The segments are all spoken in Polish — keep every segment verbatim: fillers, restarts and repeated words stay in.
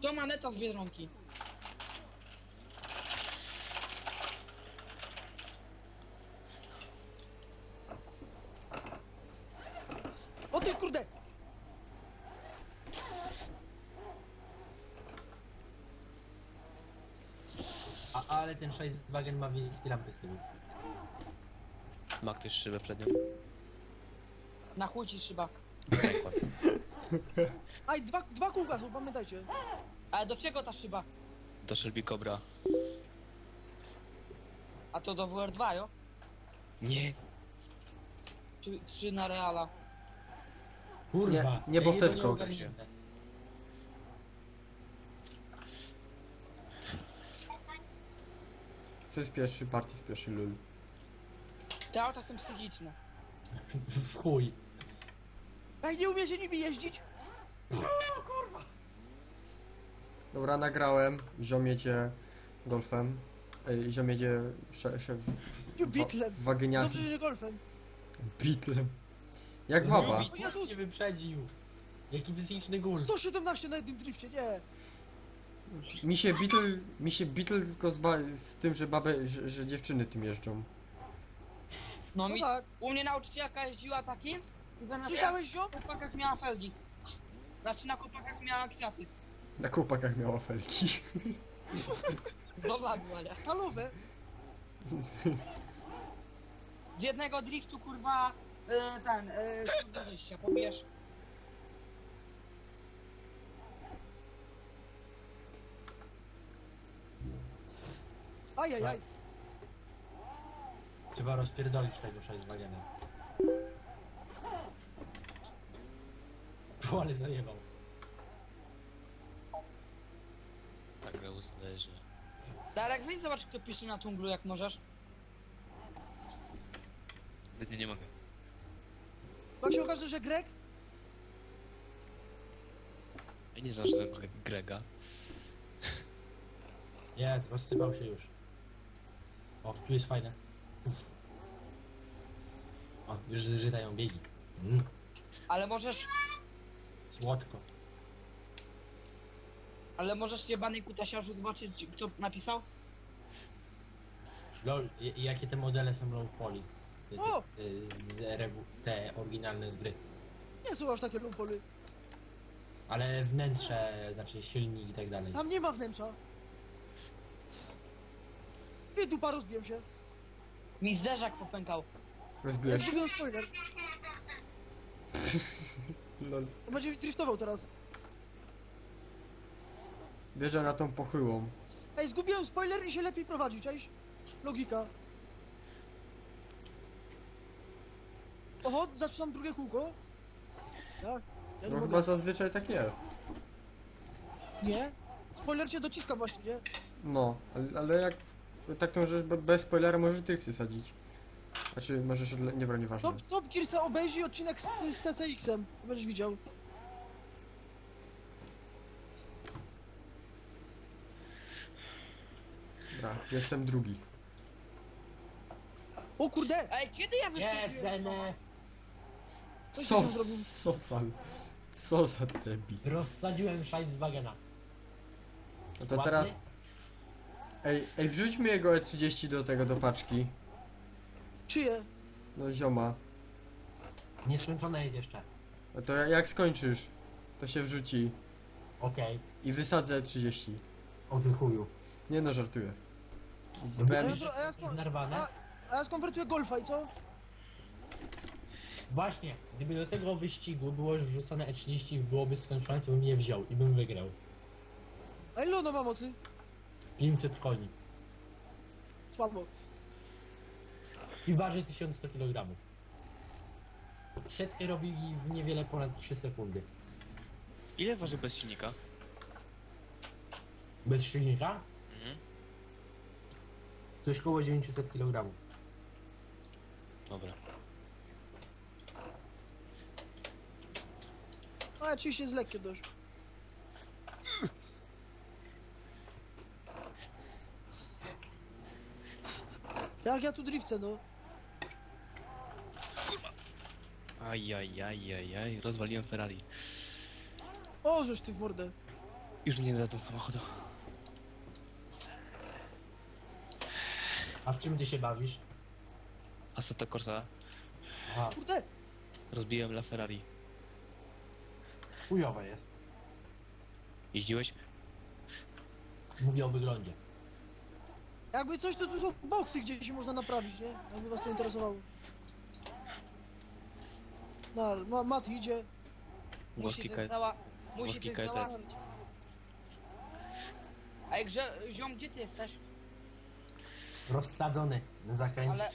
To maneta z Biedronki. O ty kurde! A, ale ten Volkswagen ma wiejskie lampy z tyłu. Ma ktoś szybę przednią? Na chuj ci szyba. Przykład. Aj, dwa, dwa kółka są, pamiętajcie. Ale do czego ta szyba? Do Shelby Cobra. A to do W R dwa, jo? Nie. Czy, czy na Reala? Kurwa. Nie, nie, bo ja w jego Tesco. ogarnięte. Co jest pierwszy? Party z pierwszy lul. Te auta są psychiczne. W chuj. Jak nie umiecie nimi jeździć? Dobra, nagrałem. Ziom jedzie golfem. Ej, ziom jedzie sze, szef Nie, Beatlem. wagyniami. Dobrze, że nie golfem. Beatlem. Jak baba. No, Jezus. Nie wyprzedził. Jaki psychiczny gól. sto siedemnaście na jednym drifcie, nie. Mi się Beatle, mi się Beatle tylko z, ba, z tym, że babę, że, że dziewczyny tym jeżdżą. No No mi... tak. U mnie nauczycielka jeździła takim i zamiast Słyszałeś ją? na kopakach miała felgi. Znaczy na kopakach miała kwiaty. Na chłopakach miała felki. Dobra była, nie? Halowe. Z jednego driftu kurwa e, ten, e, sto dwadzieścia, pobierz. Ajajaj. Trzeba rozpierdolić tego Volkswagena. O, ale zajebał. Tak, Reus leży. Darek, weź zobacz kto pisze na tunglu jak możesz. Zbytnio nie mogę. Jak się okaże, że Greg? Ja nie znam żadnego Grega. Jest, rozsypał się już. O, tu jest fajne. Uf. O, już zżytają biegi. Mm, Ale możesz, słodko. ale możesz jebany kutasiarzu zobaczyć kto napisał? Lol, i- jakie te modele są low poly? Te, te, O! te, z rewu, te oryginalne z gry. Nie są aż takie lumpole. Ale wnętrze, znaczy silnik i tak dalej. Tam nie ma wnętrza. I dupa rozbiłem się. Mi zderzak popękał. Rozbiłeś? Zrobiłem spoiler. Lol. To będzie driftował teraz. Wjeżdża na tą pochyłą. Ej, zgubiłem spoiler i się lepiej prowadzi, cześć. Logika. Oho, zaczynam drugie kółko. Tak. Ja nie No mogę. chyba zazwyczaj tak jest. Nie? Spoiler cię dociska właśnie, nie? No, ale, ale jak tak to możesz be- bez spoilera możesz drifty sadzić. Znaczy możesz, odle- nie broń, nieważne. Top, top Gear se obejrzyj odcinek z, z T C X-em. Będziesz widział. Dobra, jestem drugi. O kurde! Ej, kiedy ja Jest, wyskoczyłem? D N F! Coś Co, tam zrobił. co za, co za debil. Rozsadziłem Volkswagena. No to Ładny? teraz... Ej, ej, wrzućmy jego E trzydzieści do tego, do paczki. Czyje? No zioma. Nieskończone jest jeszcze. No to jak skończysz, to się wrzuci. Okej. I wysadzę E trzydzieści. O ty chuju. Nie no, żartuję. No Wem- wiesz, A ja jest sko- narwane? A, a ja skonwertuję golfa i co? Właśnie, gdyby do tego wyścigu było już wrzucone E trzydzieści i byłoby skończone, to bym je wziął i bym wygrał. A ile ono ma mocy? pięćset koni. Słabo. I waży tysiąc sto kilogramów. Setkę robi w niewiele ponad trzy sekundy. Ile waży bez silnika? Bez silnika? Mhm. Coś koło dziewięćset kilogramów. Dobra. A ja oczywiście jest lekkie dość. Jak ja tu drifcę, no. Ajajajajaj, rozwaliłem Ferrari. O, żeż ty w mordę. Już mi nie dadzą samochodu. A w czym ty się bawisz? Assetto Corsa. Aha, Kurde, Rozbiłem La Ferrari. chujowe jest. Jeździłeś? Mówię o wyglądzie. jakby coś, to tu są boksy, gdzie się można naprawić, nie? Jakby was to interesowało. No, ma, Mat idzie. Włoski coś K... zała... musi włoski coś K T S. załatwić. Ej, grze... ziom, gdzie ty jesteś? Rozsadzony na zakręcie. Ale...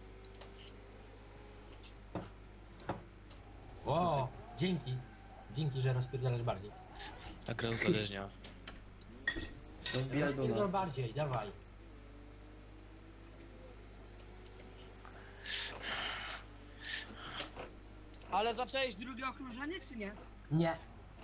O, dzięki. Dzięki, że rozpierdalasz bardziej. Ta gra uzależnia. No wbijaj do Rozpierdol nas. bardziej, dawaj. Ale zacząłeś drugie okrążenie, czy nie? Nie.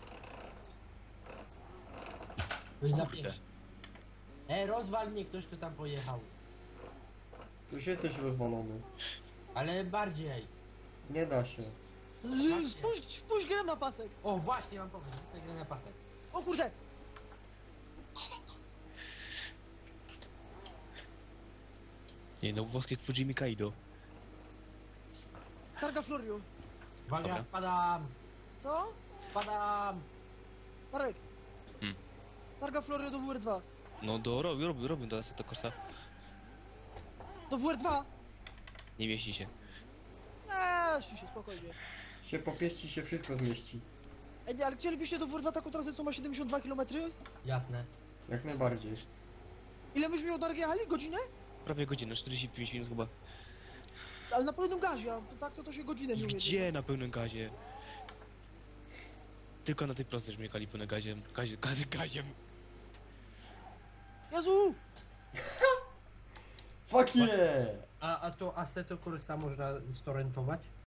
To jest za Kurde. pięć. E, rozwal mnie ktoś, kto tam pojechał. Już jesteś rozwalony. Ale bardziej. Nie da się. L- Spuść, spuść grę na pasek. O, właśnie, mam pomysł. Chcę grę na pasek. O kurde, Nie no, włoskie Fujimi Kaido. targa Florio. Uwaga, Dobra. spadam. Co? Spadam. Marek. Hmm. Targa Florio do W R dwa. No do robił, robił, robił do Assetto Corsa. Do W R dwa? Nie mieści się. Eee, się, spokojnie. Się popieści, się wszystko zmieści. Ej, nie, ale chcielibyście do W R dwa taką trasę, co ma siedemdziesiąt dwa kilometry? Jasne. Jak najbardziej. Ile myśmy od Dargi jechali? Godzinę? Prawie godzinę, czterdzieści pięć minut chyba. Ale na pełnym gazie, a tak to, to się godzinę nie ujedzie. Gdzie na pełnym gazie? Tylko na tej prostej żeśmy jechali pełnym gaziem. Gazie, gazie, gaziem. Jezu! Fuck yeah! A, a to Assetto Corsa można storentować?